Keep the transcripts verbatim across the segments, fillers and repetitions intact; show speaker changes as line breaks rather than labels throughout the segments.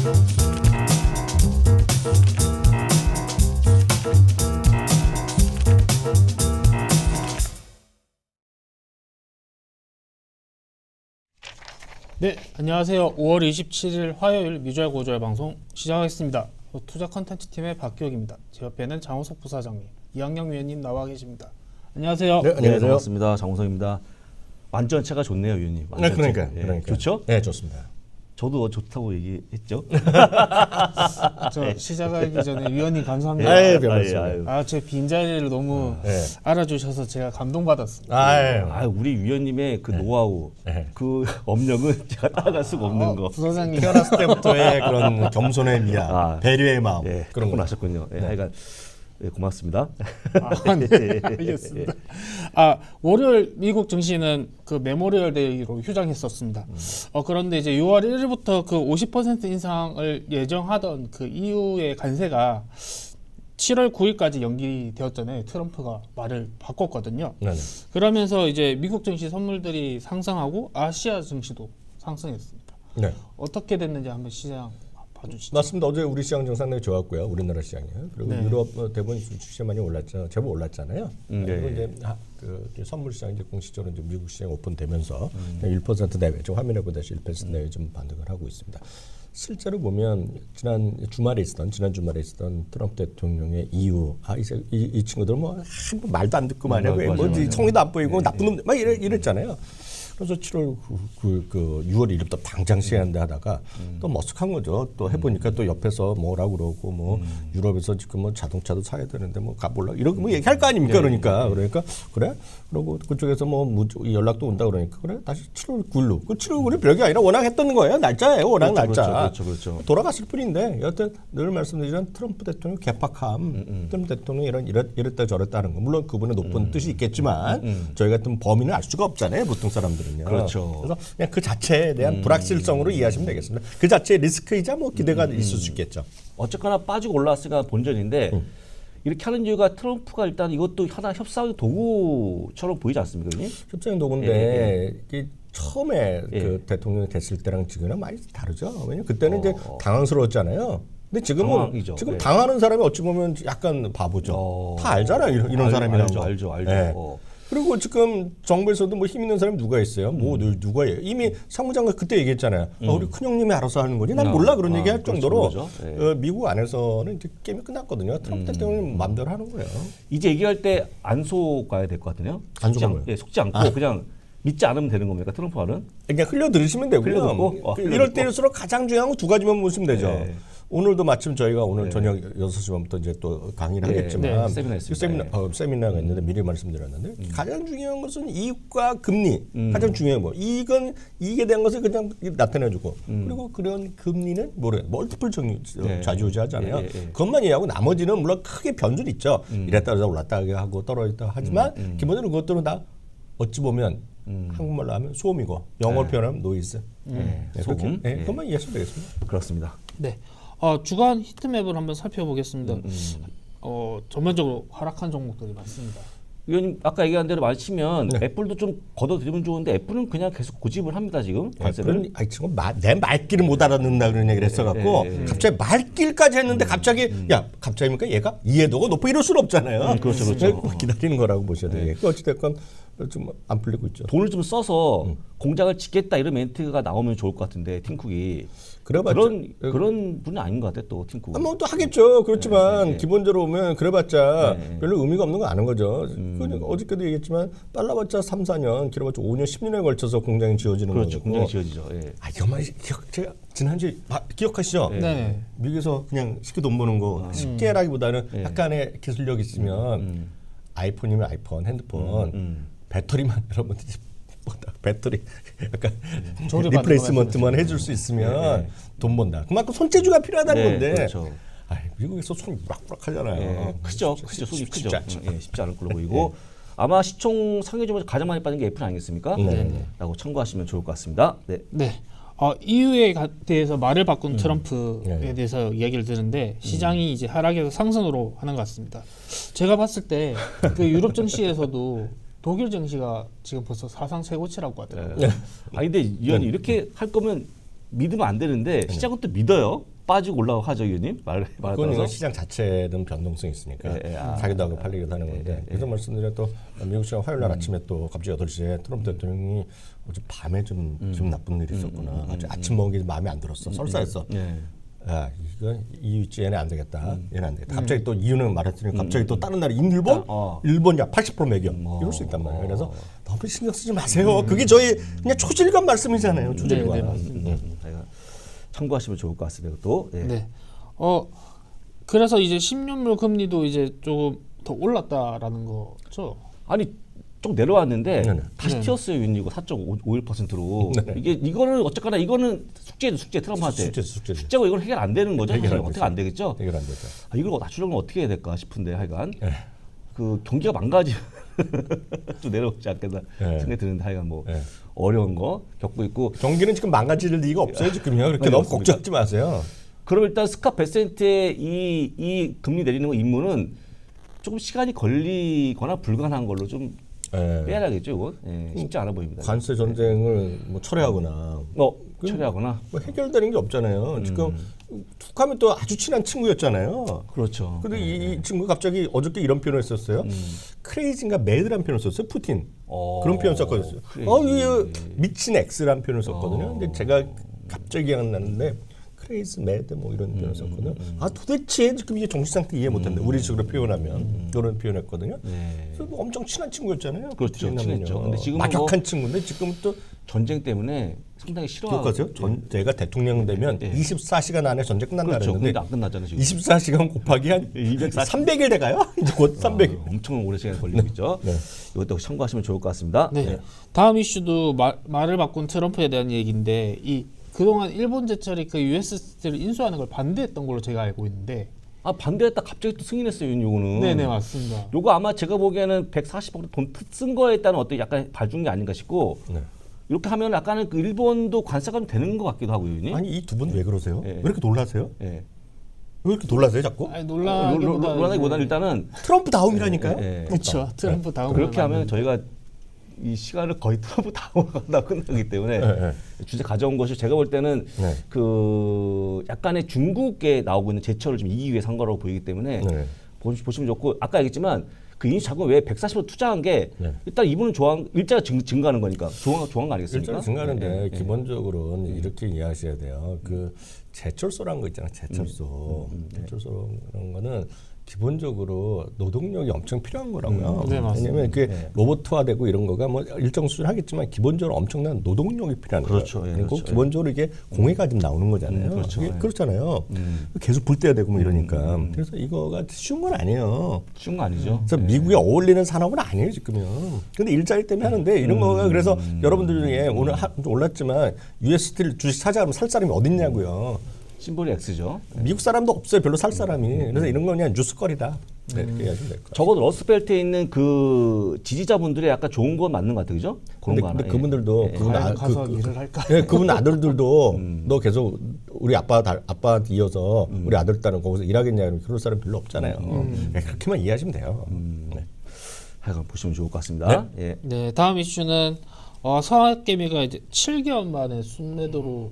네, 안녕하세요. 오월 이십칠일 화요일 미주알 고주알 방송 시작하겠습니다. 투자 컨텐츠 팀의 박기혁입니다. 제 옆에는 장호석 부사장님, 이학영 위원님 나와 계십니다. 안녕하세요.
네, 안녕하세요.
네, 반갑습니다. 장호석입니다. 완전체가 좋네요, 위원님.
네, 그러니까요.
예,
그러니까.
좋죠?
네, 좋습니다.
저도 좋다고 얘기했죠.
저 시작하기 전에 위원님 감사합니다.
아유,
아,
별말씀을.
아유.
아, 제 빈자리를 너무
네.
알아주셔서 제가 감동받았습니다.
아유.
아, 우리 위원님의 그 노하우,
네.
그 업력은 제가 따라갈 수가 없는
어,
거.
부사장님.
태어났을 때부터의 그런 겸손의 미야,
아,
배려의 마음
예,
그런
그런 걸
거.
하셨군요. 예, 하여간 예, 고맙습니다.
아, 네, 알겠습니다. 아, 월요일 미국 증시는 그 메모리얼 데이로 휴장했었습니다.
음.
어, 그런데 이제 유월 일일부터 그 오십 퍼센트 인상을 예정하던 그 이후의 관세가 칠월 구일까지 연기되었잖아요. 트럼프가 말을 바꿨거든요.
네네.
그러면서 이제 미국 증시 선물들이 상승하고 아시아 증시도 상승했습니다.
네.
어떻게 됐는지 한번 시장 봐주시죠.
맞습니다. 어제 우리 시장 좀 상당히 좋았고요. 우리나라 시장이요. 그리고
네.
유럽 어, 대부분 주식 많이 올랐죠. 제법 올랐잖아요.
음, 네.
그리고 이제 하, 그 선물 시장 이제 공식적으로 이제 미국 시장 오픈되면서 음. 일 퍼센트 내외, 좀 화면에 보다시피 일 퍼센트 내외 좀 반등을 하고 있습니다. 실제로 보면 지난 주말에 있었던 지난 주말에 있었던 트럼프 대통령의 이유, 아 이제 이, 이 친구들 뭐 한 번 말도 안 듣고 말이야,
음,
뭐 성의도 안 보이고
네,
나쁜 놈 막 이래 이랬잖아요. 그래서 칠월 그, 그, 그 유월 일일부터 당장 시행한다 하다가 음. 또 머쓱한 거죠. 또 해보니까 음. 또 옆에서 뭐라고 그러고 뭐 음. 유럽에서 지금 뭐 자동차도 사야 되는데 뭐 가볼라 이렇게 뭐 얘기할 거 아닙니까? 네, 그러니까 네. 그러니까 그래. 그리고 그쪽에서 뭐 무조, 연락도 온다 그러니까 그래 다시 칠월 구일로 그 칠월 구일이 별게 아니라 워낙 했던 거예요. 날짜예요. 워낙
그렇죠,
날짜.
그렇죠, 그렇죠, 그렇죠.
돌아갔을 뿐인데 여하튼 늘 말씀드리지만 트럼프 대통령 개팍함, 음, 음. 트럼프 대통령이 이런 이랬, 이랬다 저랬다 하는 거 물론 그분의 높은 음. 뜻이 있겠지만 음, 음. 저희 같은 범인은 알 수가 없잖아요. 보통 사람들은요.
그렇죠.
그래서 그냥 그 자체에 대한 음. 불확실성으로 이해하시면 되겠습니다. 그 자체의 리스크이자 뭐 기대가 음. 있을 수 있겠죠.
어쨌거나 빠지고 올라왔으니까 본전인데 음. 이렇게 하는 이유가 트럼프가 일단 이것도 하나 협상의 도구처럼 보이지 않습니까? 형님?
협상의 도구인데
예, 예.
이게 처음에
예.
그 대통령이 됐을 때랑 지금은 많이 다르죠. 왜냐면 그때는
어.
이제 당황스러웠잖아요. 근데 지금은
당황이죠.
지금
예.
당하는 사람이 어찌 보면 약간 바보죠.
어.
다 알잖아요. 이런, 이런
알,
사람이라는
알죠,
거.
알죠, 알죠.
예.
어.
그리고 지금 정부에서도 뭐 힘 있는 사람이 누가 있어요? 뭐 음. 누가 해요? 이미 상무장관 그때 얘기했잖아요. 음. 아, 우리 큰형님이 알아서 하는 거지. 난 몰라 그런
아,
얘기할
그렇죠,
정도로
그렇죠. 네.
어, 미국 안에서는 이제 게임이 끝났거든요. 트럼프 대통령이 음. 마음대로 하는 거예요.
이제 얘기할 때 안 속아야 될 것 같네요.
안
속지,
속아요?
않, 예, 속지 않고
아.
그냥 믿지 않으면 되는 겁니까? 트럼프 말은?
그냥 흘려 들으시면 되고요.
흘려듣고? 어,
그
흘려듣고.
이럴 때일수록 가장 중요한 건 두 가지만 보시면 되죠.
네.
오늘도 마침 저희가 오늘
네.
저녁 여섯 시 반부터 이제 또 강의를
네.
하겠지만
네. 세미나 있습니다.
세미나,
네.
어, 세미나가 있는데 미리 말씀드렸는데 음. 가장 중요한 것은 이익과 금리
음.
가장 중요한 거. 이익은 이익에 대한 것을 그냥 나타내주고 음. 그리고 그런 금리는 뭐래 멀티플 정리
네.
좌지우지하잖아요.
네. 네.
그것만 이해하고 나머지는 물론 크게 변수는 있죠.
음.
이랬다 저랬다 올랐다 하고 떨어졌다 하지만
음. 음.
기본적으로 그것들은 다 어찌 보면 음. 한국말로 하면 소음이고 영어로
네.
표현하면 노이즈.
네.
네,
소음.
그렇게, 네,
네.
그것만 이해하시면 되겠습니다.
그렇습니다.
네. 어, 주간 히트맵을 한번 살펴보겠습니다.
음, 음.
어, 전반적으로 하락한 종목들이 많습니다.
위원님 아까 얘기한 대로 마치면
네.
애플도 좀 걷어들이면 좋은데 애플은 그냥 계속 고집을 합니다 지금 관세를.
애플은 아이 친구 내 말귀를 못 알아듣는다 그런 얘기를 했어갖고
네, 네, 네.
갑자기 말귀까지 했는데
음,
갑자기
음.
야 갑자기니까 얘가 이해도가 높아 이럴 수는 없잖아요.
음, 그렇죠, 그렇죠.
꼭 기다리는 거라고 보셔야
네.
되겠고 어찌됐건 좀 안 풀리고 있죠.
돈을 좀 써서
음.
공장을 짓겠다 이런 멘트가 나오면 좋을 것 같은데 팀쿡이
그래봤자-
그런
그-
그런 분은 아닌 것 같아 또 팀쿡.
아, 뭐또 하겠죠. 그렇지만
네, 네.
기본적으로 보면 그래봤자
네.
별로 의미가 없는 거 아는 거죠.
음.
그러니까 어저께도 얘기했지만 빨라봤자 삼, 사 년, 길어봤자 오 년, 십 년에 걸쳐서 공장이 지어지는
그렇죠.
거고.
공장이 지어지죠. 예.
아 이것만 기억, 제가 지난주에 아, 기억하시죠?
네.
네.
미국에서 그냥 쉽게 돈 버는 거 쉽게라기보다는
네.
약간의 기술력 있으면
음.
아이폰이면 아이폰, 핸드폰
음.
배터리만 여러분들이 뭐다 배터리 약간
조립하는
리플레이스먼트만 해줄 수 있으면
네, 네.
돈 번다. 그만큼 손재주가 필요하다는
네,
건데.
그렇죠.
아, 미국에서 손이 우락우락하잖아요.
예, 크죠.
쉽지-
크죠. 손이
쉽-
크죠.
쉽지 않죠.
예, 쉽지 않을 걸로 보이고 아마 시총 상위점에서 가장 많이 빠진 게 애플 아니겠습니까?
네.
라고 참고하시면 좋을 것 같습니다. 네.
네. 어, 이유에 가- 대해서 말을 바꾼 트럼프에
네.
대해서 이야기를 드는데 시장이 이제 하락에서 상승으로 하는 것 같습니다. 제가 봤을 때 그 유럽 증시에서도 독일 증시가 지금 벌써 사상 최고치라고 하더라고요.
네. 아 근데 위원이 이렇게 할 거면 믿으면 안 되는데 시장은 또 믿어요. 빠지고 올라가고 하죠, 위원님? 말, 말에
그건
따라서.
시장 자체는 변동성이 있으니까
예, 예, 아,
자기도 하고 팔리기도 하는 건데
예, 예,
그래서 말씀드려 또 미국 시간 화요일 날 아침에 또 갑자기 여덟 시에 트럼프 대통령이 어제 밤에 좀 기분 나쁜 일이 있었구나. 아주 아침 먹은 게 마음에 안 들었어. 설사했어.
예.
야, 이거 이 위치 얘네 안 되겠다. 얘네 안 되겠다. 갑자기 또 이유는 말했더니 갑자기 또 다른 나라 일본?
어.
일본 야 팔십 퍼센트 매겨. 이럴 수 있단 말이에요. 그래서 너무 신경 쓰지 마세요. 그게 저희 그냥 초질감 말씀이잖아요. 초질감.
네, 네, 맞습니다.
음, 음. 참고하시면 좋을 것 같습니다. 또 예.
네. 어 그래서 이제 십 년물 금리도 이제 조금 더 올랐다라는 거죠.
아니 좀 내려왔는데
네네.
다시
네.
튀었어요. 윈이고 사 점 오일 퍼센트로. 이게 이거는 어쨌거나 이거는 숙제죠. 숙제 트럼프한테.
숙제, 숙제죠.
숙제고 이건 해결 안 되는 거죠.
해결
사실
안
어떻게
되죠.
안 되겠죠.
해결 안 되죠.
아, 이걸 낮추려면 어떻게 해야 될까 싶은데 하여간
네.
그 경기가 망가지 좀 내려오지 않겠나
네.
생각이 드는데 하여간 뭐
네.
어려운 거 겪고 있고.
경기는 지금 망가질 리가 없어요. 지금요. 그렇게
네,
너무
맞습니다.
걱정하지 마세요.
그럼 일단 스캇 베센트의 이, 이 금리 내리는 거 임무는 조금 시간이 걸리거나 불가능한 걸로 좀
예.
빼야겠죠. 이거 예, 쉽지 않아 보입니다.
관세 전쟁을 뭐 철회하거나
어 처리하거나.
뭐 해결되는 게 없잖아요. 지금 툭하면 또 아주 친한 친구였잖아요.
그렇죠.
근데 이, 이 친구가 갑자기 어저께 이런 표현을 썼어요. 크레이지인가 매드란 표현을 썼어요. 푸틴.
어,
그런 표현 썼거든요.
크레이지.
어, 이 미친 X란 표현을 썼거든요. 근데 제가 갑자기 기억났는데 크레이지 매드 뭐 이런 표현을 썼거든요. 아 도대체 지금 이게 정신 상태 이해 못한다. 우리 식으로 표현하면 그런 표현했거든요.
네.
그래서 뭐 엄청 친한 친구였잖아요.
그렇죠.
푸틴하면요.
친했죠. 근데 지금은
막역한
뭐-
친구인데 지금 또
전쟁 때문에 상당히 싫어하고.
기억하세요? 전 제가 대통령 되면
네.
이십사 시간 안에 전쟁 끝난다
그렇죠. 근데
그랬는데
안 끝났잖아요 지금.
이십사 시간 곱하기 한
이백사십.
삼백 일 돼가요? 이제 곧 삼백 일.
아, 엄청 오래 시간 걸리고 있죠.
네.
이것도 참고하시면 좋을 것 같습니다.
네.
네.
다음 이슈도 말, 말을 바꾼 트럼프에 대한 얘기인데 이 그동안 일본 제철이 그 유에스 스틸을 인수하는 걸 반대했던 걸로 제가 알고 있는데.
아 반대했다 갑자기 또 승인했어요. 요거는.
네네 맞습니다.
요거 아마 제가 보기에는 백사십억 돈 쓴 거에 따른 어떤 약간 봐준 게 아닌가 싶고
네.
이렇게 하면 약간은 그 일본도 관세가 좀 되는 것 같기도 하고요. 의원님.
아니 이 두 분 왜 그러세요?
네.
왜 이렇게 놀라세요?
예.
왜 이렇게 놀라세요 자꾸?
아니
로- 로-
놀라기보다
놀라기보다는 일단은
트럼프 다음이라니까요?
예, 예.
그렇죠. 트럼프 다음
그렇게 하면 저희가 이 시간을 거의 트럼프 다음하다 끝나기 때문에
네, 네.
주제 가져온 것이 제가 볼 때는
네.
그 약간의 중국에 나오고 있는 제철을 좀 이기기 위해서 한 거라고 보이기 때문에
네.
보시- 보시면 좋고 아까 얘기했지만 그 인수 자금 왜 백사십억 투자한 게
네.
일단 이분은 좋아한 일자가 증, 증가하는 거니까 좋아한 좋아한 거 아니겠습니까?
일자리 증가하는데
예, 예.
기본적으로는 이렇게 이해하셔야 돼요. 그 제철소라는 거 있잖아요. 제철소. 제철소라는 거는 기본적으로 노동력이 엄청 필요한 거라고요.
음, 네, 맞습니다.
왜냐하면 그게 로봇화되고 이런 거가 뭐 일정 수준 하겠지만 기본적으로 엄청난 노동력이 필요한
그렇죠.
거예요.
예,
그리고
그렇죠.
기본적으로 이게 공해가 좀 나오는 거잖아요.
음, 그렇죠.
그게
예.
그렇잖아요.
음.
계속 불 때야 되고 뭐 이러니까. 그래서 이거가 쉬운 건 아니에요.
쉬운 거 아니죠?
그래서 미국에 어울리는 산업은 아니에요 지금요. 근데 일자리 때문에 하는데 이런 거가 그래서 여러분들 중에 오늘 하, 좀 올랐지만 유에스 스틸 주식 사자면 살 사람이 어딨냐고요.
심볼이 X죠.
미국 사람도 없어요. 별로 살 사람이. 그래서 이런 건 그냥 뉴스거리다. 네, 이렇게 이해하시면 될 거예요.
적어도 러스트벨트에 있는 그 지지자분들의 약간 좋은 건 맞는 것 같아요, 그죠? 그런
근데,
거 하나.
근데
예.
그분들도
예.
그분
과연
아,
가서
그, 그,
일을 할까?
예, 그분 아들들도 너 계속 우리 아빠 다- 아빠한테 이어서 우리 아들 딸은 거기서 일하겠냐 이러면 그럴 사람 별로 없잖아요. 예, 그렇게만 이해하시면 돼요. 네.
하여간 보시면 좋을 것 같습니다. 예.
네, 다음 이슈는 어, 서학개미가 이제 칠 개월 만에 순매도로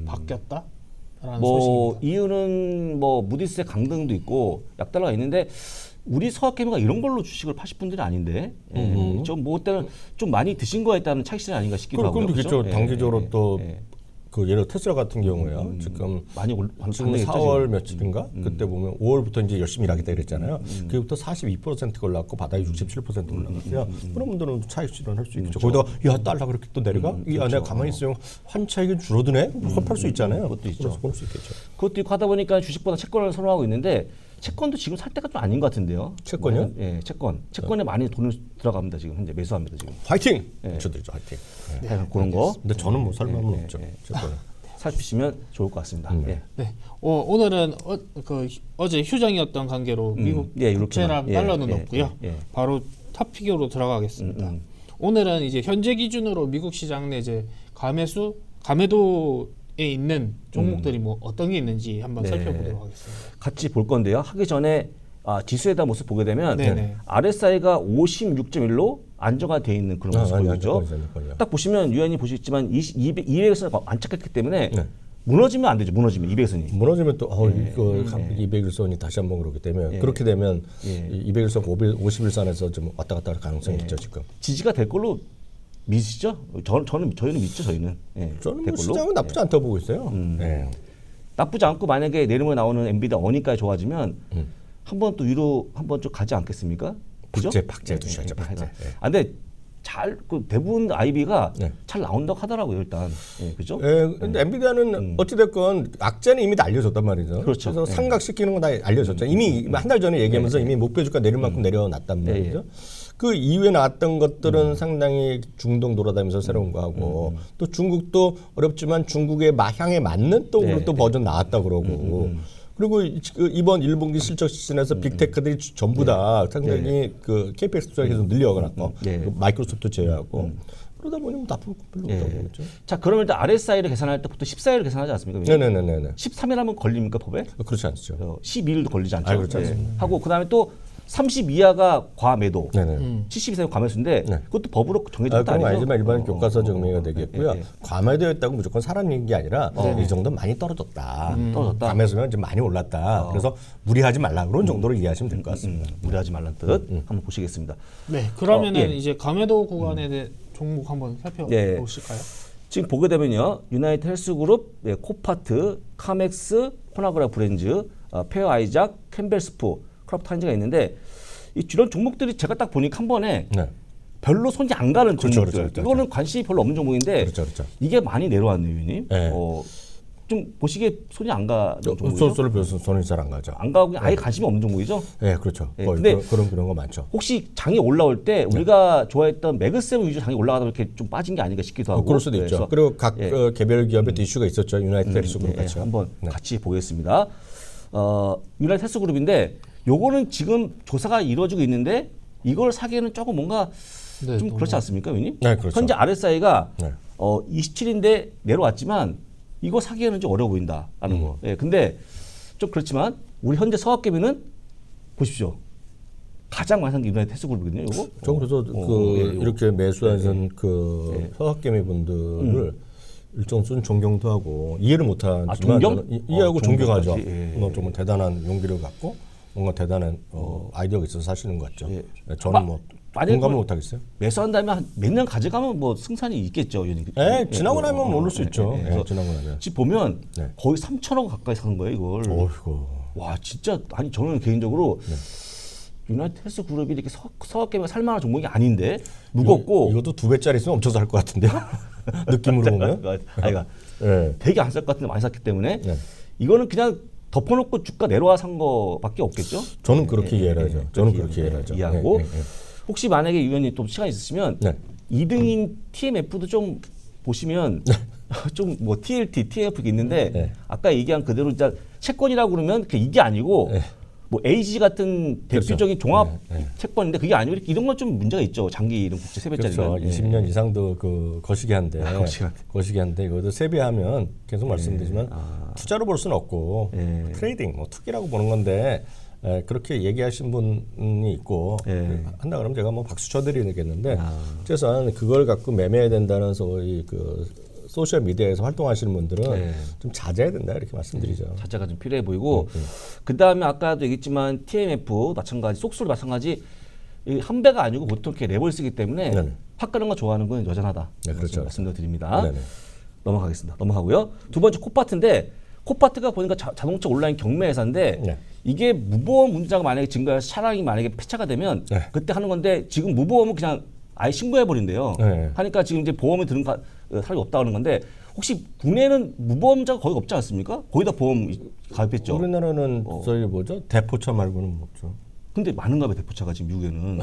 바뀌었다라는
뭐
소식입니다.
이유는 뭐 무디스의 강등도 있고 약달러가 있는데 우리 서학개미가 이런 걸로 주식을 파실 분들이 아닌데 예. 좀뭐 때는 좀 많이 드신 거에 따른 차익실현 아닌가 싶기도
그럼
하고요.
그럼
그죠?
그렇죠.
예,
단기적으로
예,
또
예.
그 예를 들어 테슬라 같은 경우에요. 지금
많이 올
지금
강등했죠,
사월
지금.
며칠인가 그때 보면 오월부터 이제 열심히 일하겠다 그랬잖아요. 그때부터 사십이 퍼센트가 올랐고 바닥이 육십칠 퍼센트 올라갔어요. 그런 분들은 차익 실현할 수 있겠죠. 거기다가 야 달러 그렇게 또 내려가? 야 내가 가만히 있으면 환 차익이 줄어드네? 팔 수 있잖아요.
그것도 있죠.
그래서 그럴 수 있겠죠.
그것도 있고 하다 보니까 주식보다 채권을 선호하고 있는데 채권도 지금 살 때가 좀 아닌 것 같은데요.
채권이요?
예, 채권. 채권에 많이 돈을 들어갑니다 지금 현재 매수합니다 지금.
화이팅!
예.
외쳐드리죠. 화이팅. 네.
네, 그런 거
근데 저는 뭐 살만은
예,
없죠.
예.
채권은.
살피시면 좋을 것 같습니다. 예.
네, 어, 오늘은 어, 그 휴- 어제 휴장이었던 관계로 미국
예, 이렇게만.
국채랑
예,
달러는
예,
없고요.
예, 예.
바로 탑픽으로 들어가겠습니다.
음, 음.
오늘은 이제 현재 기준으로 미국 시장 내 이제 감매수, 감매도에 있는 종목들이 뭐 어떤 게 있는지 한번
네.
살펴보도록 하겠습니다.
같이 볼 건데요. 하기 전에 아, 지수에 대한 모습 보게 되면
네네.
알에스아이가 오십육 점 일로 안정화되어 있는 그런
아,
모습
아니,
보이죠.
안정화되어 있는 거예요.
딱 보시면 유엔이 보시겠지만 이백에서 안착했기 때문에
네.
무너지면 안 되죠. 무너지면 이백일선이.
무너지면 또 어,
예.
이거
예.
이백일선이 다시 한번 그러기 때문에
예.
그렇게 되면
예.
이백일선 오십일선에서 좀 왔다 갔다 할 가능성이
예.
있죠 지금.
지지가 될 걸로 믿으시죠? 저, 저는 저희는 믿죠. 저희는. 예.
저는
될
뭐
걸로.
시장은 나쁘지 않다고 보고 있어요.
음.
예.
나쁘지 않고 만약에 내일모레 나오는 엔비디아 어니까지 좋아지면
음.
한번 또 위로 한번 좀 가지 않겠습니까? 그죠?
박제, 박제
예,
두셔야죠,
예, 예,
박제.
예.
예.
아, 근데 잘 그 대부분 아이비가
네.
잘 나온다고 하더라고요 일단. 예, 그죠?
예, 근데 엔비디아는 어찌됐건 악재는 이미 다 알려졌단 말이죠.
음. 그렇죠.
그래서
예.
상각시키는 건 다 알려졌죠. 이미 한 달 전에 얘기하면서
예, 예.
이미 목표주가 내릴 만큼 내려놨단
예,
말이죠. 그 이후에 나왔던 것들은 상당히 중동 돌아다니면서 새로운 거 하고 또 중국도 어렵지만 중국의 마- 향에 맞는 또,
네.
또 버전 나왔다 그러고 그리고 이- 그 이번 일 분기 실적 시즌에서 빅테크들이 전부 다 상당히 그 케이피엑스 투자 계속 늘려가고
네.
그 마이크로소프트 제외하고 그러다 보니 뭐 나쁠 거 별로
예.
없다고 보겠죠.
자 그러면 일단 알에스아이를 계산할 때부터 십사 일을 계산하지 않습니까?
네네네네.
십삼 일 하면 걸립니까 법에?
그렇지 않죠.
어, 십이 일도 걸리지 않죠.
아, 그렇지 않습니다.
하고 그다음에 또 삼십 이하가 과매도,
네네.
칠십 이상이 과매수인데
네.
그것도 법으로 정해진
아,
것도
그건
아니죠.
아니지만 일반
어,
교과서
어,
증명이
어,
되겠고요.
예, 예.
과매되었다고 무조건 사라진 게 아니라 이 정도는 많이 떨어졌다.
떨어졌다.
과매수면 좀 많이 올랐다. 그래서 무리하지 말라 그런 정도로 이해하시면 될 것 같습니다.
음, 무리하지 말란 뜻 한번 보시겠습니다.
네, 그러면은
어, 예.
이제 감해도 구간에 대해 종목 한번
예.
살펴보실까요?
지금 보게 되면요, 유나이트 헬스그룹, 예, 코파트, 카맥스, 코나그라 브랜즈, 어, 페어 아이작, 캠벨스프, 크롭타인즈가 있는데 이 이런 종목들이 제가 딱 보니까 한 번에
네.
별로 손이 안 가는
그렇죠,
종목들.
그렇죠, 그렇죠.
이거는 관심이 별로 없는 종목인데
그렇죠, 그렇죠.
이게 많이 내려왔네요, 위님.
네.
어, 좀 보시기에 손이 안 가는 종목이죠.
소스를 배워서 손이 잘 안 가죠.
안 가고 그냥 아예 관심이 없는 종목이죠.
네, 그렇죠.
예,
거의
근데
그런, 그런 그런 거 많죠.
혹시 장이 올라올 때 우리가 좋아했던 매그세븐 위주 장이 올라가다 이렇게 좀 빠진 게 아닌가 싶기도 하고.
어, 그럴 수도 있죠.
그래서
그리고 각
예.
어, 개별 기업의 이슈가 있었죠. 유나이티드
음,
헬스그룹
예,
같이.
한번
네.
같이 보겠습니다. 어, 유나이티드 헬스그룹인데 요거는 지금 조사가 이루어지고 있는데 이걸 사기에는 조금 뭔가
네,
좀
너무-
그렇지 않습니까, 위님?
네, 그렇죠.
현재 알에스아이가
네.
어, 이십칠 인데 내려왔지만 이거 사기에는 좀 어려워 보인다라는
음.
거. 예, 근데 좀 그렇지만 우리 현재 서학개미는 보십시오. 가장 많이 산 게 유나이티드 헬스그룹이거든요, 이거.
저 그래서
어,
그
어, 예, 이거.
이렇게 매수하신 그 서학개미 분들을 일정 수준 존경도 하고 이해를 못하지만
아, 존경?
저는 이- 이해하고
어,
존경하죠.
존경까지, 예, 예.
뭐 정말 대단한 용기를 갖고 뭔가 대단한 어, 아이디어가 있어서 사시는 것 같죠.
예.
네, 저는
마-
뭐
만약에
공감을
그걸-
못하겠어요.
매수한다면 몇 년 가져가면 뭐 승산이 있겠죠. 예,
예, 지나고
어,
나면
어,
모를 수
예,
있죠.
예, 예.
예,
그래서
지나고 나면.
지금 보면
네.
거의 삼천억 가까이 산 거예요, 이걸.
어이구.
와, 진짜 아니 저는 개인적으로
네.
유나이티드 헬스 그룹이 이렇게 서, 서학개미가 살만한 종목이 아닌데 무겁고
이것도 두 배짜리 있으면 엄청 살 것 같은데요. 느낌으로 보면.
아이가
예.
되게 안 살 것 같은데 많이 샀기 때문에
네.
이거는 그냥 덮어놓고 주가 내려와 산 거밖에 없겠죠.
저는 그렇게
예,
이해를
예,
하죠.
예,
저는
그렇게
그렇게 이해를 하죠.
이해하고
예, 예, 예.
혹시 만약에 유 의원님 또 시간 있으시면
네.
이 등인 티엠에프도 좀 보시면 좀 뭐 티엘티, 티엠에프 있는데
네.
아까 얘기한 그대로 진짜 채권이라고 그러면 그게 이게 아니고
네.
뭐 에이지 같은 대표적인 종합
네, 네.
채권인데 그게 아니고 이렇게 이런 건 좀 문제가 있죠. 장기 이런 국제 세배짜리는.
그렇죠. 이십 년 이상도 그 거시기한데
아, 거시기한데.
거시기한데 이것도 세배하면 계속 말씀드리지만 투자로 볼 수는 없고
예.
트레이딩, 뭐 투기라고 보는 건데 에, 그렇게 얘기하신 분이 있고
예.
한다 그러면 제가 뭐 박수 쳐드리겠는데
아.
최소한 그걸 갖고 매매해야 된다는 소위 그 소셜 미디어에서 활동하시는 분들은
예.
좀 자제해야 된다 이렇게 말씀드리죠.
자체가 좀 필요해 보이고
음,
그 다음에 아까도 얘기했지만 티엠에프 마찬가지 속수로 마찬가지 이 한 배가 아니고 보통 이렇게 랩을 쓰기 때문에
네네.
확 가는 거 좋아하는 건 여전하다.
네, 그렇죠.
말씀을 드립니다.
네네.
넘어가겠습니다. 넘어가고요. 두 번째 코파트인데 코파트가 보니까 자, 자동차 온라인 경매 회사인데
네.
이게 무보험 문제가 만약에 증가해서 차량이 만약에 폐차가 되면
네.
그때 하는 건데 지금 무보험은 그냥 아예 신고해 버린대요.
네.
하니까 지금 이제 보험이 드는 가, 어, 사람이 없다 그러는 건데 혹시 국내에는 무보험자가 거의 없지 않습니까? 거의 다 보험 가입했죠.
우리나라는 저희 뭐죠 대포차 말고는 없죠.
근데 많은가 봐요 대포차가 지금 미국에는.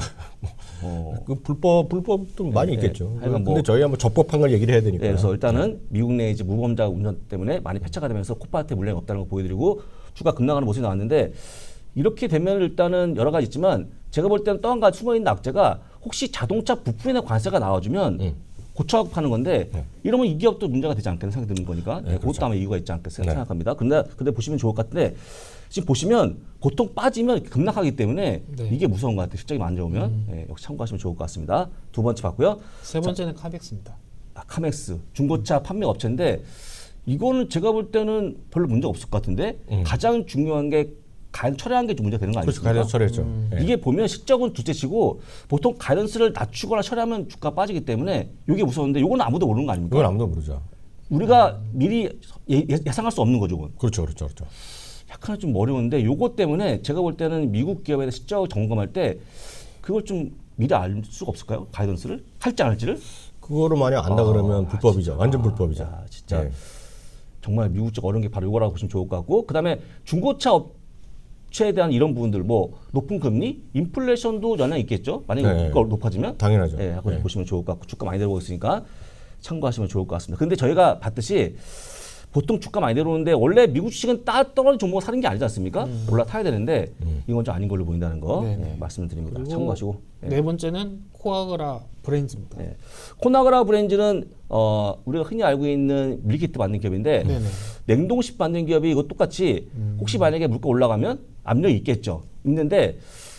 어.
그 불법 불법도 많이 있겠죠.
하여간
근데
뭐-
저희가 뭐 적법한 걸 얘기를 해야 되니까.
네, 그래서 일단은 미국 내 이제 무보험자 운전 때문에 많이 폐차가 되면서 코파트에 물량이 없다는 거 보여드리고 주가 급락하는 모습이 나왔는데 이렇게 되면 일단은 여러 가지 있지만 제가 볼 때는 또 한 가지 숨어 있는 악재가 혹시 자동차 부품이나 관세가 나와주면
음.
고쳐갖고 파는 건데 이러면 이 기업도 문제가 되지 않겠는 생각이 드는 거니까 네, 그것도 아마 이유가 있지 않겠어요
네.
생각합니다. 근데 근데 보시면 좋을 것 같은데 지금 보시면 보통 빠지면 급락하기 때문에
네.
이게 무서운 것 같아요. 실적이 안 좋으면 네, 역시 참고하시면 좋을 것 같습니다. 두 번째 봤고요.
세 번째는 카벡스입니다.
아, 카맥스 중고차 판매 업체인데 이거는 제가 볼 때는 별로 문제 없을 것 같은데
음.
가장 중요한 게 가이드 철회한 게 좀 문제가 되는 거
그렇죠.
아니겠습니까?
가이드 철회죠.
음.
예.
이게 보면 실적은 둘째치고 보통 가이던스를 낮추거나 철회하면 주가 빠지기 때문에 이게 무서운데 이건 아무도 모르는 거 아닙니까?
이건 아무도 모르죠.
우리가 미리 예, 예상할 수 없는 거죠. 그건.
그렇죠, 그렇죠, 그렇죠.
약간 좀 어려운데 요거 때문에 제가 볼 때는 미국 기업에 대해 실적 점검할 때 그걸 좀 미리 알 수가 없을까요? 가이던스를 할지 안 할지를?
그거를 만약 안다
아,
그러면 불법이죠.
진짜.
완전 불법이죠.
아, 진짜.
예.
정말 미국 쪽 어려운 게 바로 이거라고 보시면 좋을 것 같고 그다음에 중고차 업체에 대한 이런 부분들 뭐 높은 금리, 인플레이션도 영향이 있겠죠. 만약에
네.
그거 높아지면
당연하죠.
예, 하고
네.
보시면 좋을 것 같고 주가 많이 내려오고 있으니까 참고하시면 좋을 것 같습니다. 근데 저희가 봤듯이 보통 주가 많이 내려오는데 원래 미국 주식은 따 떨어진 종목을 사는 게 아니지 않습니까? 올라타야 되는데 이건 좀 아닌 걸로 보인다는 거
네네.
예, 말씀드립니다.
그리고
참고하시고. 예.
네 번째는 코아그라 브랜즈입니다.
네. 코나그라 브랜즈는 어, 우리가 흔히 알고 있는 밀키트 만든 기업인데
네네.
냉동식 만든 기업이 이거 똑같이 혹시 만약에 물가 올라가면 압력이 있겠죠. 있는데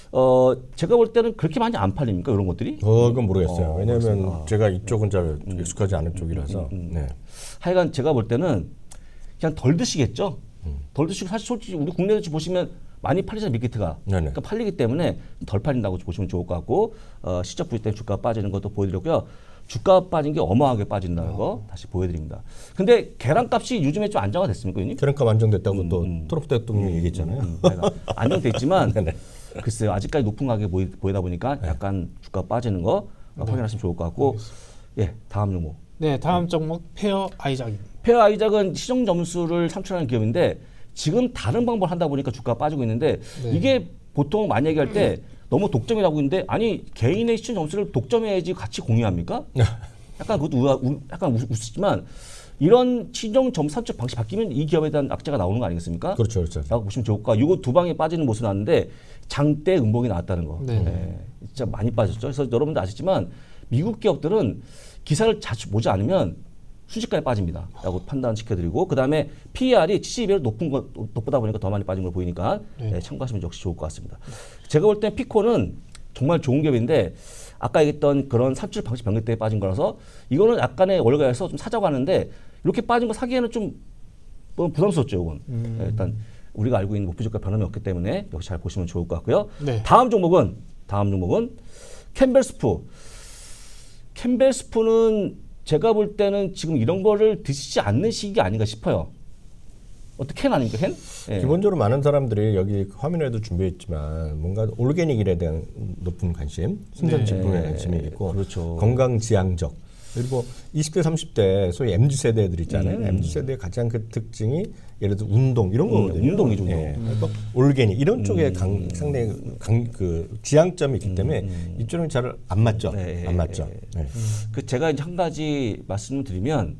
어, 제가 볼 때는 그렇게 많이 안 팔립니까 이런 것들이?
어, 그건 모르겠어요.
어,
왜냐하면
그렇습니다.
제가 이쪽은 잘 익숙하지 않은 쪽이라서. 네.
하여간 제가 볼 때는 그냥 덜 드시겠죠. 덜 드시고 사실 솔직히 우리 국내에서 보시면 많이 팔리잖아요 밀키트가.
네네.
그러니까 팔리기 때문에 덜 팔린다고 보시면 좋을 것 같고 어, 시적 부위 때문에 주가 빠지는 것도 보여드렸고요. 주가 빠진 게 어마어마하게 빠진다는 거 다시 보여드립니다. 근데 계란값이 요즘에 좀 안정화됐습니까, 의원님?
계란값 안정됐다고
음,
또
음.
트럼프 대통령이 얘기했잖아요.
음, 하여간 안정돼 있지만
네네.
글쎄요 아직까지 높은 가격이 보이, 보이다 보니까 약간 주가 빠지는 거 어, 확인하시면 좋을 것 같고 예 다음 종목
네, 다음 종목 페어 아이작입니다.
페어 아이작은 시정 점수를 창출하는 기업인데 지금 다른 방법을 한다 보니까 주가가 빠지고 있는데
네.
이게 보통 많이 얘기할 때 너무 독점이라고 있는데 아니 개인의 시청 점수를 독점해야지 같이 공유합니까? 약간 그것도 우아, 우, 약간 우, 우스지만 이런 시정 점수 산출 방식 바뀌면 이 기업에 대한 악재가 나오는 거 아니겠습니까?
그렇죠, 그렇죠.
라고 보시면 좋을 까 이거 두 방에 빠지는 모습이 나왔는데 장대 음봉이 나왔다는 거.
네.
예, 진짜 많이 빠졌죠. 그래서 여러분들 아시지만 미국 기업들은 기사를 자주 보지 않으면 순식간에 빠집니다. 라고 판단시켜드리고 그 다음에 피이알이 칠십이 배 높은 거 높다 보니까 더 많이 빠진 걸 보이니까
네.
예, 참고하시면 역시 좋을 것 같습니다. 제가 볼 땐 피코는 정말 좋은 기업인데 아까 얘기했던 그런 산출 방식 변경 때문에 빠진 거라서 이거는 약간의 월가에서 좀 사자고 하는데 이렇게 빠진 거 사기에는 좀 뭐 부담스럽죠. 이건
음.
예, 일단 우리가 알고 있는 목표 주가 변함이 없기 때문에 역시 잘 보시면 좋을 것 같고요.
네.
다음 종목은 다음 종목은 캠벨스프. 캠벨스프는 제가 볼 때는 지금 이런 거를 드시지 않는 시기 아닌가 싶어요. 어떻게 캔 아닙니까 캔? 예.
기본적으로 많은 사람들이 여기 화면에도 준비했지만 뭔가 올게닉에 대한 높은 관심, 신선
네.
제품에 관심이 있고
그렇죠.
건강 지향적 그리고 이십 대 삼십 대 소위 엠지 세대들 있잖아요.
음.
엠지 세대의 가장 그 특징이 예를 들어 운동 이런
음,
거거든요.
운동이죠, 운동.
예. 그러니까 올게닉 이런 쪽에 강, 상당히 강, 그 지향점이 있기 때문에 이쪽은 잘 안 맞죠.
네,
안 맞죠. 네.
그 제가 이제 한 가지 말씀을 드리면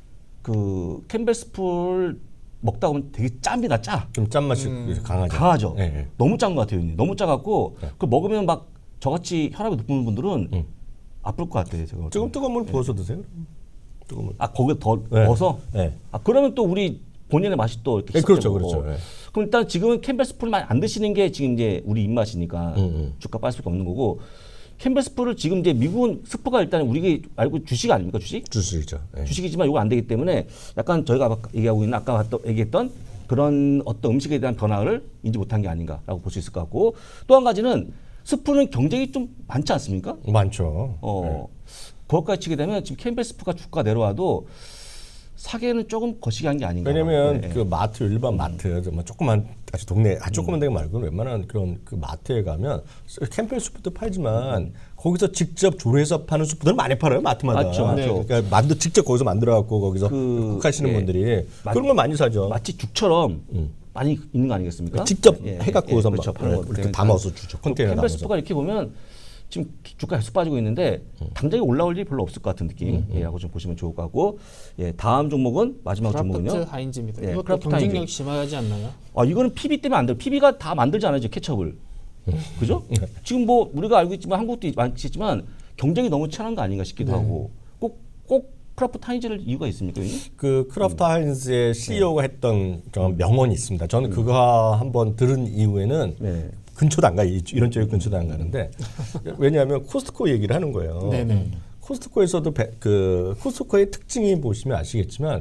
그 캠벨스프를 먹다 보면 되게 짭니다, 짜.
좀 짠맛이 강하죠.
강하죠.
예, 예.
너무 짠 것 같아요. 형님. 너무 짜갖고 그 먹으면 막 저같이 혈압이 높은 분들은
음.
아플 것 같아요. 제가.
조금 뜨거운 물 부어서 드세요. 뜨거운 물.
아 거기에 더
네.
넣어서.
네.
아 그러면 또 우리 본연의 맛이 또 이렇게
네, 그렇죠,
시작되고.
그렇죠. 네.
그럼 일단 지금은 캠벨스프를 많이 안 드시는 게 지금 이제 우리 입맛이니까
음, 음.
주가 빠질 수밖에 없는 거고 캠벨스프를 지금 이제 미국은 스프가 일단 우리가 알고 주식 아닙니까 주식?
주식이죠. 예.
주식이지만 이거 안 되기 때문에 약간 저희가 아까 얘기하고 있는 아까 봤던- 얘기했던 그런 어떤 음식에 대한 변화를 인지 못한 게 아닌가라고 볼 수 있을 것 같고 또 한 가지는 스프는 경쟁이 좀 많지 않습니까?
많죠.
어, 그것까지 치게 되면 지금 캠벨 스프가 주가 내려와도 사기에는 조금 거시기 한 게 아닌가.
왜냐면
네.
그 마트 일반 마트 정말 조그만 아주 동네 아주 조그만 데가 말고는 웬만한 그런 그 마트에 가면 캠펠 수프도 팔지만 거기서 직접 조리해서 파는 수프들 많이 팔아요 마트마다.
맞죠, 맞죠.
그러니까 만두 직접 거기서 만들어 갖고 거기서
그,
쿡하시는
예.
분들이
마-
그런 걸 많이 사죠.
마치 죽처럼 많이 있는 거 아니겠습니까?
직접
예,
해갖고
예,
거기서
그렇죠.
막
파는 거
이렇게
때문에
담아서 주죠. 컨테이너
캠벨
담아서.
스프가 이렇게 보면 지금 주가 계속 빠지고 있는데 당장에 올라올 일이 별로 없을 것 같은 느낌. 예, 하고 좀 보시면 좋을 것 같고. 예, 다음 종목은 마지막
크라프트
종목은요.
하인즈입니다.
예,
이것도
크라프트
경쟁력
하인즈.
심하지 않나요?
아 이거는 피비 때문에 안 돼요. 피비가 다 만들잖아요, 이제 케첩을. 그죠? 지금 뭐 우리가 알고 있지만 한국도 많겠지만 경쟁이 너무 치열한 거 아닌가 싶기도 하고 꼭 꼭 크라프트 하인즈를 이유가 있습니까? 여기?
그 크라프트 하인즈의 씨이오가 했던 정말 명언이 있습니다. 저는 그거 한번 들은 이후에는
네.
근처도 안 가요. 이- 이런 쪽에 근처도 안 가는데 왜냐하면 코스트코 얘기를 하는 거예요.
네네.
코스트코에서도 배- 그 코스트코의 특징이 보시면 아시겠지만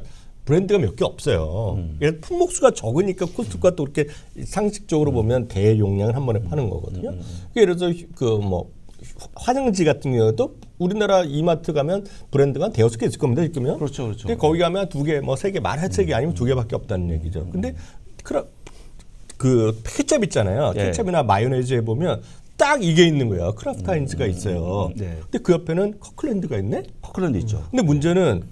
브랜드가 몇 개 없어요.
음.
그래서 품목수가 적으니까 코스트코가 또 그렇게 상식적으로
음.
보면 대용량을 한 번에 파는 거거든요. 예를 들어서 그 뭐 화장지 같은 경우도 우리나라 이마트 가면 브랜드가 한 대여섯 개 있을 겁니다. 지금요.
그렇죠, 그렇죠.
근데 거기 가면 두 개, 뭐 세 개, 말할 세 개 아니면 두 개밖에 없다는 얘기죠. 근데 크라 그 케첩 있잖아요.
예.
케첩이나 마요네즈에 보면 딱 이게 있는 거예요. 크라프트 하인즈가 있어요.
네.
근데 그 옆에는 커클랜드가 있네.
커클랜드 있죠.
근데 문제는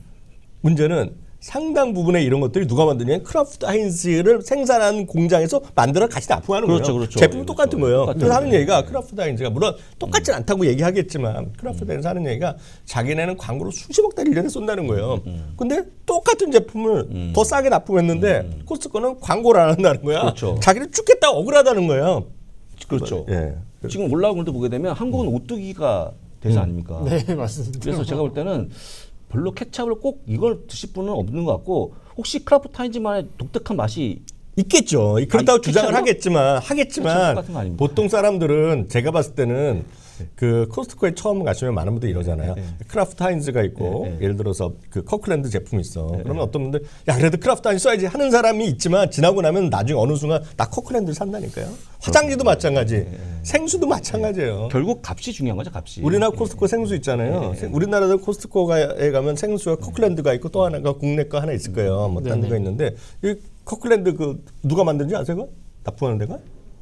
문제는 상당 부분의 이런 것들이 누가 만드냐면 크라프트 하인즈를 생산한 공장에서 만들어 같이 납품하는
그렇죠,
거예요.
그렇죠.
제품
예,
똑같은
그렇죠.
거예요.
똑같은
그래서 하는
거예요.
얘기가 크라프트 하인즈가 물론 똑같진 않다고 얘기하겠지만 크라프트 하인즈 하는 얘기가 자기네는 광고로 수십억 달러 일 년에 쏜다는 거예요. 근데 똑같은 제품을 더 싸게 납품했는데 코스트코는 광고를 안 한다는 거야.
그렇죠.
자기는 죽겠다 억울하다는 거예요.
그렇죠.
예.
지금 올라오는 것도 보게 되면 한국은 오뚜기가 대세 아닙니까?
네, 맞습니다.
그래서 제가 볼 때는 별로 케찹을 꼭 이걸 드실 분은 없는 것 같고 혹시 크라프트 하인즈만의 독특한 맛이
있겠죠. 그렇다고
아니,
주장을
케첩으로?
하겠지만
케첩
하겠지만
같은 거 아닙니까?
보통 사람들은 제가 봤을 때는 그 코스트코에 처음 가시면 많은 분들이 이러잖아요.
네.
크라프트 하인즈가 있고
네, 네.
예를 들어서 그 커클랜드 제품이 있어. 그러면 어떤 분들 야 그래도 크라프트 하인즈 써야지 하는 사람이 있지만 지나고 나면 나중에 어느 순간 나 커클랜드를 산다니까요. 화장지도 마찬가지, 생수도 마찬가지예요.
결국 값이 중요한 거죠, 값이.
우리나라 코스트코 생수 있잖아요. 생- 우리나라도 코스트코에 가면 생수가 커클랜드가 있고 또 하나가 국내 거 하나 있을 거예요. 뭐 딴
네네.
데가 있는데 이 커클랜드 그 누가 만든지 아세요? 그거? 납품하는 데가?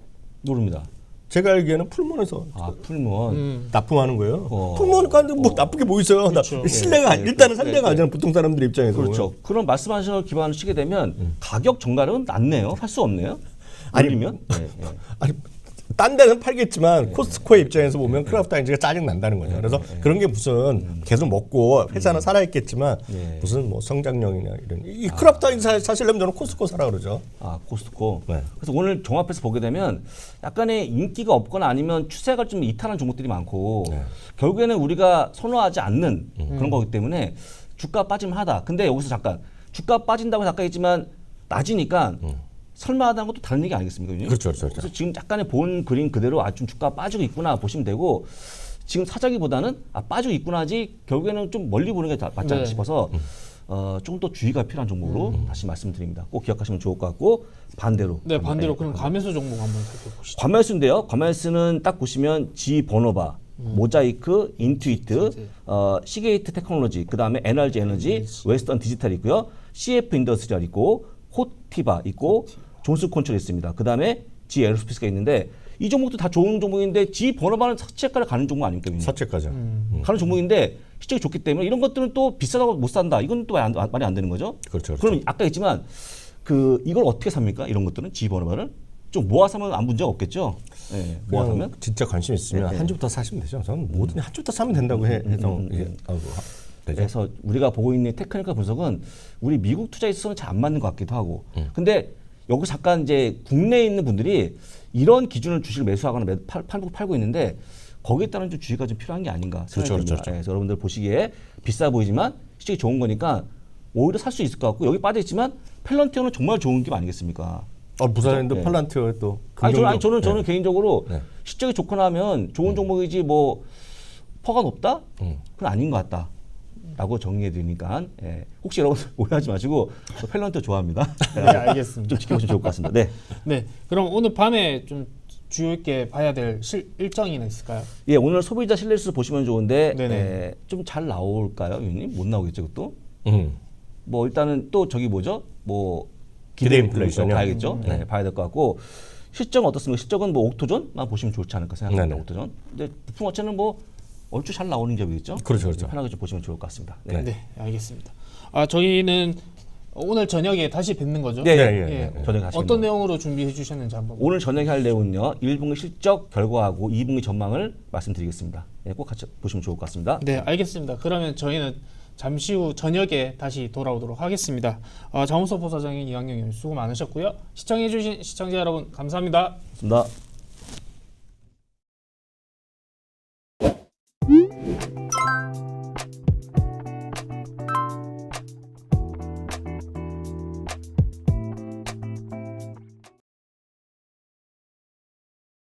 모릅니다.
제가 알기에는 풀몬에서
아, 풀몬.
음.
납품하는 거예요.
어.
풀몬 가는데 뭐 나쁘게 뭐 있어요? 나-
그렇죠.
신뢰가
네,
일단은
네,
상대가
네.
아니잖아. 보통 사람들 입장에서
그렇죠.
보면.
그런 말씀하신 걸 기반으로 치게 되면 가격 정갈은 낮네요. 할 수 없네요.
아니,
올리면. 네, 네.
아니 딴 데는 팔겠지만 코스트코의 입장에서 보면 크라프트 하인즈가 짜증 난다는 거죠. 그래서 그런 게 무슨 계속 먹고 회사는 살아있겠지만
네.
무슨 뭐 성장력이냐 이런 이 크라프트 하인즈 사- 사시려면 저는 코스트코 사라 그러죠.
아, 코스트코.
네.
그래서 오늘 종합해서 보게 되면 약간의 인기가 없거나 아니면 추세가 좀 이탈한 종목들이 많고
네.
결국에는 우리가 선호하지 않는 그런 거기 때문에 주가 빠짐 하다. 근데 여기서 잠깐 주가 빠진다고 잠깐 했지만 낮이니까 설마 하다는 것도 다른 얘기 아니겠습니까? 의원님?
그렇죠, 그렇죠, 그렇죠.
그래서 지금 약간의 본 그림 그대로 아, 좀 주가 빠지고 있구나 보시면 되고 지금 사자기보다는 아, 빠지고 있구나지 결국에는 좀 멀리 보는 게 다- 맞지 않나
네.
싶어서 어, 조금 더 주의가 필요한 종목으로 다시 말씀드립니다. 꼭 기억하시면 좋을 것 같고 반대로.
네, 반대로
네,
그럼 가매수 종목 한번 살펴보시죠.
과매수인데요. 과매수는 딱 보시면 G 버노바, 모자이크, 인투이트,
진짜.
어, 시게이트 테크놀로지, 그 다음에 에너지 에너지, 웨스턴 디지털 있고요. 씨에프 인더스트리얼 있고, 호티바 있고, 존스 콘트롤 있습니다. 그 다음에 G 에어로스페이스가 있는데 이 종목도 다 좋은 종목인데 G 버노바는 사채가를 가는 종목 아닙니까? 위원님?
사채가죠.
가는 종목인데 실적이 좋기 때문에 이런 것들은 또 비싸다고 못 산다. 이건 또 말 안, 말이 안 되는 거죠.
그렇죠, 그렇죠.
그럼 아까 했지만 그 이걸 어떻게 삽니까? 이런 것들은 G 버노바를 좀 모아 사면 아무 문제가 없겠죠. 네, 모아
그냥
사면.
진짜 관심 있으면
네, 네.
한 주부터 사시면 되죠. 저는 뭐든 한 주부터 사면 된다고 해, 해서 이게 아이고, 하- 되죠.
그래서 우리가 보고 있는 테크니컬 분석은 우리 미국 투자에 있어서는 잘 안 맞는 것 같기도 하고. 근데 여기 잠깐 이제 국내에 있는 분들이 이런 기준을 주식을 매수하거나 매, 팔, 팔고 팔고 있는데 거기에 따른 좀 주의가 좀 필요한 게 아닌가 생각이
그렇죠,
듭니다.
그렇죠.
예, 그래서 여러분들 보시기에 비싸 보이지만 실적이 좋은 거니까 오히려 살 수 있을 것 같고 여기 빠져 있지만 펠런티어는 정말 좋은 기업 아니겠습니까?
어, 부산랜드
네.
팔란티어 또
아니 저는, 아니,
긍정적-
저는 저는
네.
개인적으로
네.
실적이 좋거나 하면 좋은 종목이지 뭐 퍼가 높다? 그건 아닌 것 같다. 라고 정리해 드리니까 예. 혹시 여러분 오해하지 마시고 저 펠런트 좋아합니다.
네, 알겠습니다.
좀 지켜보시면 좋을 것 같습니다. 네.
네, 그럼 오늘 밤에 좀 주요 있게 봐야 될 실, 일정이나 있을까요?
예, 오늘 소비자 신뢰지수 보시면 좋은데
네네.
예, 좀 잘 나올까요, 위원님? 못 나오겠죠, 그것도?
음.
뭐 일단은 또 저기 뭐죠? 뭐
기대 인플레이션이요?
봐야겠죠. 네, 봐야 될 것 같고 실적은 어떻습니까? 실적은 뭐 옥토존만 보시면 좋지 않을까 생각합니다.
네네.
옥토존. 근데 부품 업체는 뭐 얼추 잘 나오는 기업이겠죠.
그렇죠, 그렇죠.
편하게 좀 보시면 좋을 것 같습니다. 네.
네, 알겠습니다. 아, 저희는 오늘 저녁에 다시 뵙는 거죠?
네,
예,
예,
예,
예. 저녁에 하시면
어떤 내용으로 준비해 주셨는지 한번.
오늘 저녁에 할 내용은요. 일 분기 실적 결과하고 이 분기 전망을 말씀드리겠습니다. 예, 꼭 같이 보시면 좋을 것 같습니다.
네, 알겠습니다. 그러면 저희는 잠시 후 저녁에 다시 돌아오도록 하겠습니다. 어, 장훈석 부사장님, 이학영 의원 수고 많으셨고요. 시청해 주신 시청자 여러분 감사합니다.
고맙습니다.